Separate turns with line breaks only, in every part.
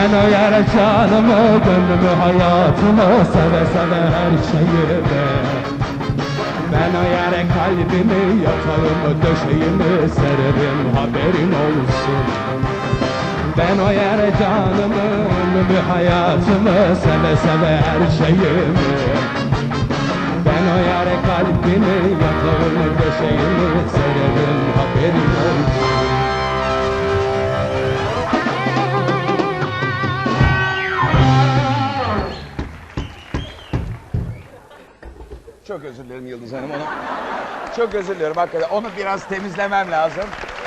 Ben o yere canımı, gönlümü, hayatımı, seve seve her şeyimi. Ben o yere kalbimi, yatağımı, döşeğimi sererim, haberin olsun. Ben o yere canımı, ömrümü, hayatımı, seve seve her şeyimi. Ben o yere kalbimi, yatağımı, döşeğimi sererim, haberin olsun.
Çok özür dilerim Yıldız Hanım, onu çok özür diliyorum hakikaten. Onu biraz temizlemem lazım.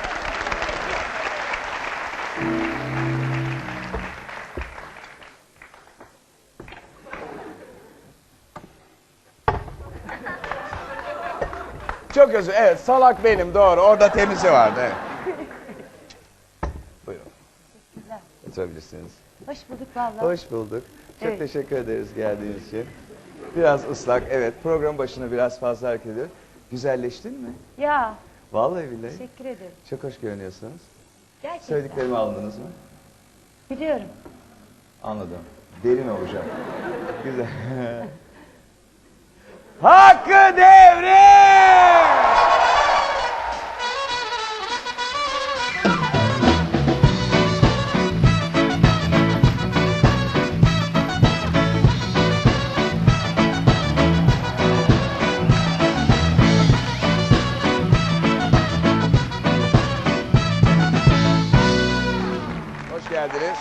Çok özür, evet, salak benim, doğru. Orada temizi vardı, evet. Buyurun. Oturabilirsiniz.
Hoş bulduk vallahi.
Hoş bulduk. Çok
Evet.
teşekkür ederiz geldiğiniz için. Biraz ıslak, evet. Program başına biraz fazla hareket ediyor. Güzelleştin mi?
Ya
Vallahi billahi.
teşekkür ederim.
Çok hoş görünüyorsunuz.
Gerçekten.
Söylediklerimi anladınız mı?
Biliyorum.
Anladım. Derin olacak. Güzel. Hakkı Devrim! Hoş geldiniz.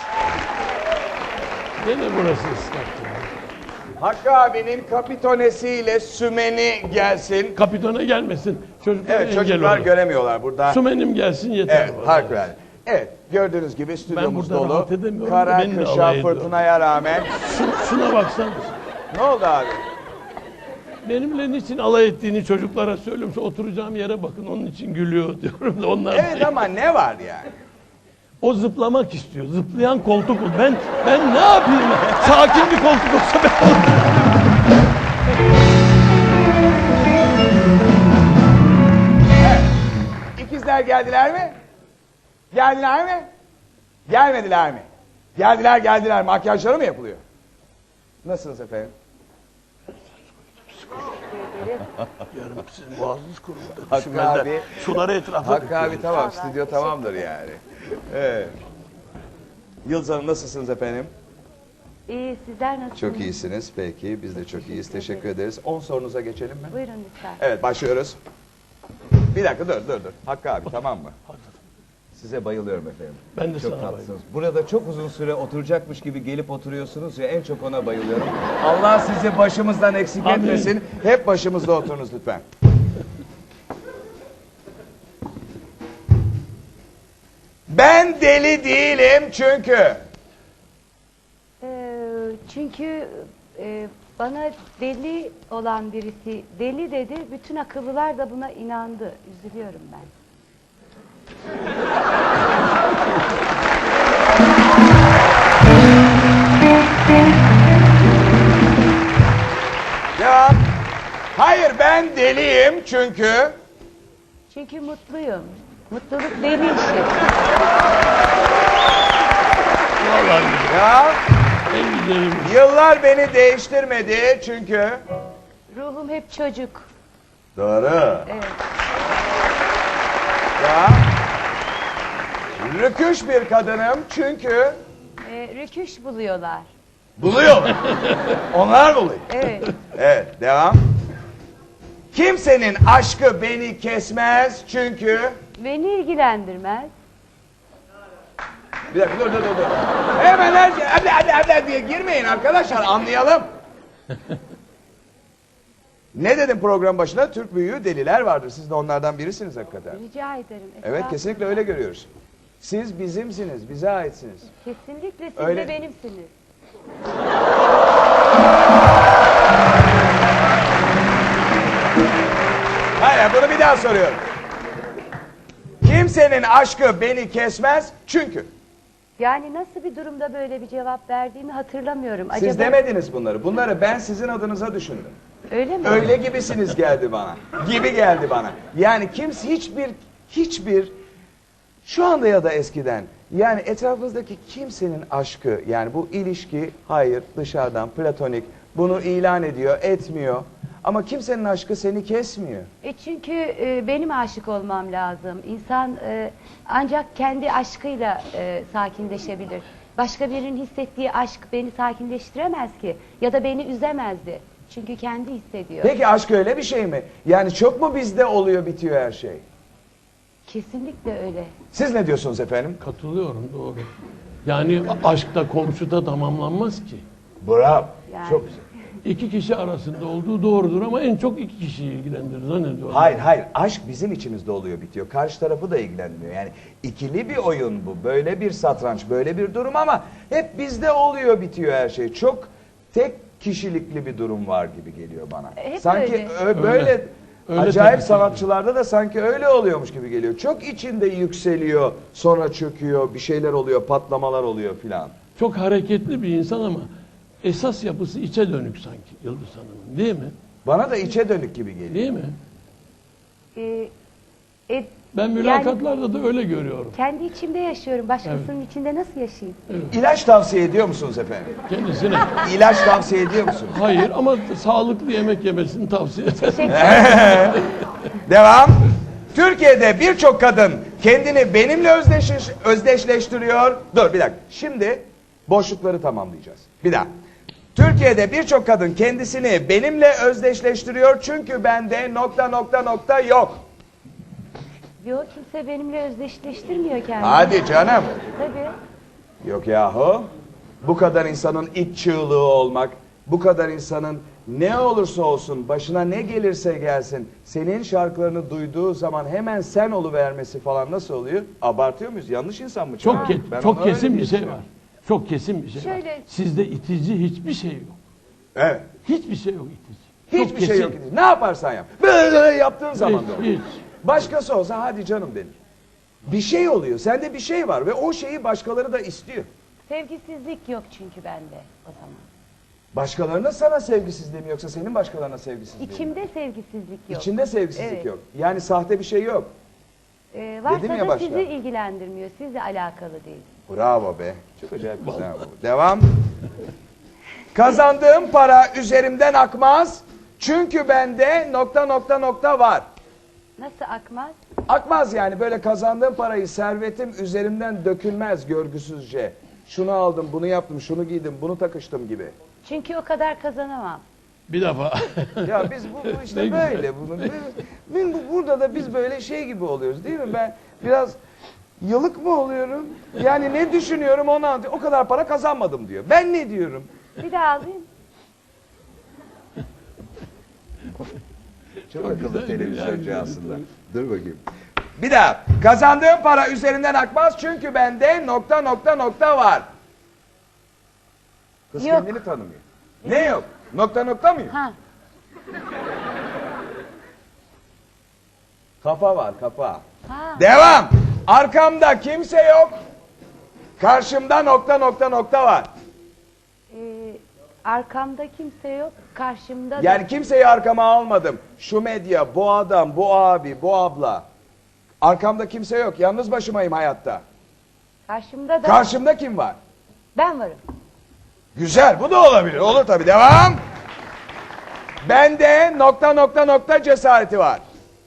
Gene burası ıslaktı.
Hakkı abinin kapitonesiyle sümeni gelsin.
Kapitona gelmesin. Çocuklar
Evet,
engel
çocuklar
olur.
göremiyorlar burada.
Sümenim gelsin yeter.
Evet,
bana.
harikulade. Evet, gördüğünüz gibi stüdyomuz
burada
dolu.
rahat edemiyorum da
Kara,
benimle
kışa,
alay ediyor.
fırtınaya rağmen.
Şuna baksana.
Ne oldu abi?
Benimle niçin alay ettiğini çocuklara söylüyorum. Şu oturacağım yere bakın, onun için gülüyor diyorum da onlar.
Evet ama ne var yani?
O zıplamak istiyor. Zıplayan koltuk. Ben ne yapayım? Sakin bir koltuk olsa ben
İkizler geldiler mi? Geldiler mi? Gelmediler mi? Geldiler. Makyajları mı yapılıyor? Nasılsınız efendim?
Yarın sizin boğazınız kuruldu.
Hakkı abi.
Suları etrafa
Hakkı abi tamam, stüdyo tamamdır yani. Evet. Yıldız Hanım nasılsınız efendim?
İyi, sizler nasılsınız?
Çok iyisiniz peki, biz de çok iyiyiz. Teşekkür ederiz. 10 sorunuza geçelim mi?
Buyurun lütfen.
Evet, başlıyoruz. Bir dakika dur. Hakkı abi tamam mı? Size bayılıyorum efendim.
Ben de
Çok
sana
tatlısınız.
bayılıyorum.
Burada çok uzun süre oturacakmış gibi gelip oturuyorsunuz ya, en çok ona bayılıyorum. Allah sizi başımızdan eksik
Amin.
etmesin. Hep başımızda oturunuz lütfen. Ben deli değilim çünkü.
Çünkü bana deli olan birisi deli dedi. Bütün akıllılar da buna inandı. Üzülüyorum ben.
Devam. Hayır, ben deliyim çünkü.
Çünkü mutluyum. Mutluluk deli işi.
Vallahi
Ya
en güzelim.
yıllar beni değiştirmedi çünkü.
Ruhum hep çocuk.
Doğru.
Evet.
Ya rüküş bir kadınım çünkü.
Rüküş buluyorlar.
Buluyor. Onlar buluyor.
Evet.
Evet, devam. Kimsenin aşkı beni kesmez çünkü.
Beni ilgilendirmez.
Bir dakika dur. Hemen her şey hadi diye girmeyin arkadaşlar, anlayalım. Ne dedim program başına? Türk büyüğü deliler vardır. Siz de onlardan birisiniz hakikaten.
Rica ederim.
Evet,
Estağfurullah.
kesinlikle öyle görüyoruz. Siz bizimsiniz, bize aitsiniz.
Kesinlikle siz
Öyle.
de benimsiniz.
Hayır, bunu bir daha soruyorum. Kimsenin aşkı beni kesmez çünkü.
Yani nasıl bir durumda böyle bir cevap verdiğimi hatırlamıyorum.
Siz demediniz bunları. Bunları ben sizin adınıza düşündüm.
Öyle mi?
Öyle gibisiniz geldi bana. Gibi geldi bana. Yani kimse hiçbir Şu anda ya da eskiden yani etrafınızdaki kimsenin aşkı yani bu ilişki hayır dışarıdan platonik bunu ilan ediyor etmiyor ama kimsenin aşkı seni kesmiyor.
Çünkü benim aşık olmam lazım. İnsan ancak kendi aşkıyla sakinleşebilir. Başka birinin hissettiği aşk beni sakinleştiremez ki ya da beni üzemezdi. Çünkü kendi hissediyor.
Peki aşk öyle bir şey mi? Yani çok mu bizde oluyor bitiyor her şey?
Kesinlikle öyle.
Siz ne diyorsunuz efendim?
Katılıyorum, doğru. Yani aşkta komşuda tamamlanmaz ki.
Bravo.
Yani.
Çok güzel.
İki kişi arasında olduğu doğrudur ama en çok iki kişiyi ilgilendirir zannediyorum.
Hayır. Aşk bizim içimizde oluyor bitiyor. Karşı tarafı da ilgilenmiyor. Yani ikili bir oyun bu. Böyle bir satranç, böyle bir durum ama hep bizde oluyor bitiyor her şey. Çok tek kişilikli bir durum var gibi geliyor bana.
Hep
sanki
öyle.
böyle
Öyle
acayip
tabii ki.
sanatçılarda da sanki öyle oluyormuş gibi geliyor. Çok içinde yükseliyor, sonra çöküyor, bir şeyler oluyor, patlamalar oluyor filan.
Çok hareketli bir insan ama esas yapısı içe dönük sanki Yıldız Hanım'ın, değil mi?
Bana da içe dönük gibi geliyor.
Değil mi?
E,
Ben mülakatlarda da öyle görüyorum.
kendi içimde yaşıyorum. Başkasının içinde nasıl yaşayayım?
İlaç tavsiye ediyor musunuz efendim?
Kendisine.
İlaç tavsiye ediyor musunuz?
Hayır ama sağlıklı yemek yemesini tavsiye ederim.
Teşekkür ederim.
Devam. Türkiye'de birçok kadın kendini benimle özdeşleştiriyor. Dur bir dakika. Şimdi boşlukları tamamlayacağız. Bir daha. Türkiye'de birçok kadın kendisini benimle özdeşleştiriyor çünkü bende ... yok.
Yok, kimse benimle özdeşleştirmiyor kendini.
Hadi canım.
Tabii.
Yok yahu. Bu kadar insanın iç çığlığı olmak, bu kadar insanın ne olursa olsun, başına ne gelirse gelsin, senin şarkılarını duyduğu zaman hemen sen oluvermesi falan nasıl oluyor? Abartıyor muyuz? Yanlış insan mı?
Çok
çalıyor? Ben
çok
ona öyle
kesin bir
diye
şey
düşünüyorum.
var. Çok kesin bir şey var.
Şöyle-
Sizde itici hiçbir şey yok.
Evet.
Hiçbir şey yok itici. Çok
Hiçbir şey
kesin.
yok. Ne yaparsan yap. Böyle yaptığın zaman da olur.
Hiç.
Başkası olsa hadi canım denir. Bir şey oluyor. Sende bir şey var ve o şeyi başkaları da istiyor.
Sevgisizlik yok çünkü bende o zaman.
Başkalarına sana sevgisizliği mi yoksa senin başkalarına sevgisizliğin mi?
İçimde sevgisizlik yok.
İçinde sevgisizlik
Evet.
yok. Yani sahte bir şey yok.
Varsa
Dedim ya
da
başta.
sizi ilgilendirmiyor. Sizle alakalı değil.
Bravo be. Çok acayip güzel bu. Devam. Kazandığım para üzerimden akmaz. Çünkü bende ... var.
Nasıl akmaz?
Akmaz yani böyle kazandığım parayı servetim üzerimden dökülmez görgüsüzce. Şunu aldım, bunu yaptım, şunu giydim, bunu takıştım gibi.
Çünkü o kadar kazanamam.
Bir defa.
Ya biz bu işte
Ne güzel.
böyle burada da biz böyle şey gibi oluyoruz değil mi? Ben biraz yılık mı oluyorum? Yani ne düşünüyorum onu anlatıyor. O kadar para kazanmadım diyor. Ben ne diyorum?
Bir daha alayım.
Çok akıllı
güzel,
televizyoncu
güzel.
aslında. Dur bakayım. Bir daha. Kazandığım para üzerinden akmaz çünkü bende ... var. Kız
Yok.
kendini tanımıyor. Ne yok? ... mı yok?
Ha.
Kafa var kafa.
Ha.
Devam. Arkamda kimse yok. Karşımda ... var.
Arkamda kimse yok. Karşımda da.
Yani kimseyi arkama almadım. Şu medya, bu adam, bu abi, bu abla. Arkamda kimse yok. Yalnız başımayım hayatta.
Karşımda da
Karşımda kim var?
ben varım.
Güzel. Bu da olabilir. Olur tabii. Devam. Bende ... cesareti var.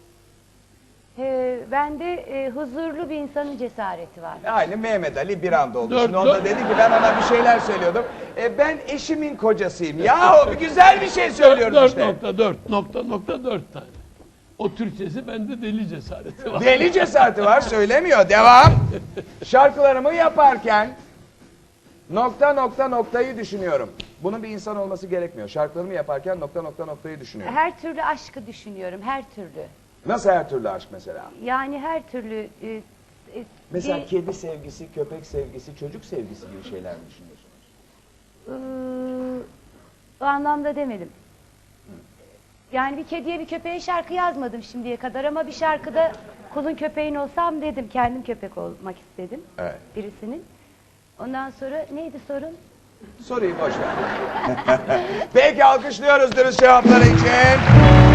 Bende huzurlu bir insanın cesareti var.
Aynı Mehmet Ali bir anda oldu.
Dört,
Şimdi o da
dört.
dedi ki ben ona bir şeyler söylüyordum. Ben eşimin kocasıyım. Yahu güzel bir şey söylüyorum işte.
4.4 tane. O Türkçesi bende deli cesareti var.
Deli cesareti var söylemiyor. Devam. Şarkılarımı yaparken ... düşünüyorum. Bunun bir insan olması gerekmiyor. Şarkılarımı yaparken ... düşünüyorum.
Her türlü aşkı düşünüyorum. Her türlü.
Nasıl her türlü aşk mesela?
Yani her türlü
Mesela
bir-
kedi sevgisi, köpek sevgisi, çocuk sevgisi gibi şeyler mi düşünüyorsunuz?
o anlamda demedim. Yani bir kediye bir köpeğe şarkı yazmadım şimdiye kadar ama bir şarkıda kulun köpeğin olsam dedim. Kendim köpek olmak istedim.
Evet.
Birisinin. Ondan sonra neydi sorun?
Soruyu boş ver. Peki alkışlıyoruz dürüst cevapları için.